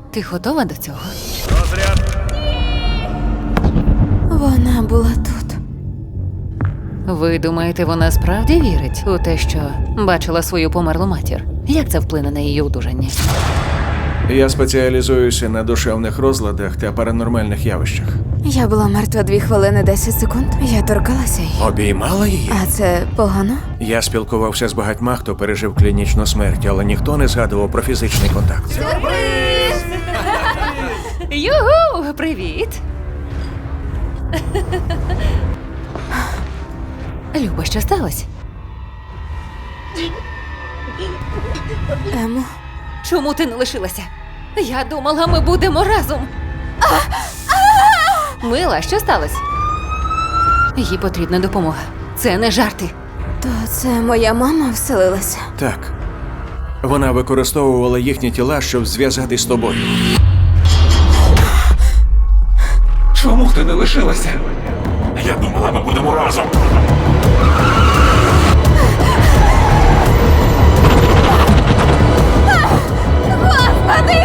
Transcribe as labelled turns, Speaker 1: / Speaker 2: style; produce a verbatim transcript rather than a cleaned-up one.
Speaker 1: Ти готова до цього?
Speaker 2: Розряд.
Speaker 3: Вона була тут.
Speaker 1: Ви думаєте, вона справді вірить у те, що бачила свою померлу матір? Як це вплине на її одужання?
Speaker 2: Я спеціалізуюся на душевних розладах та паранормальних явищах.
Speaker 3: Я була мертва дві хвилини десять секунд. Я торкалася її.
Speaker 2: Обіймала її?
Speaker 3: А це погано?
Speaker 2: Я спілкувався з багатьма, хто пережив клінічну смерть, але ніхто не згадував про фізичний контакт.
Speaker 1: Югу! Привіт! Люба, що сталося?
Speaker 3: Емо,
Speaker 1: Чому ти не лишилася? Я думала, ми будемо разом. Мила, що сталося? Їй потрібна допомога. Це не жарти.
Speaker 3: то це моя мама вселилася.
Speaker 2: Так. Вона використовувала їхні тіла, щоб зв'язатись з тобою.
Speaker 4: Чому ти не лишилася? Я думала, ми будемо разом.
Speaker 3: Господи!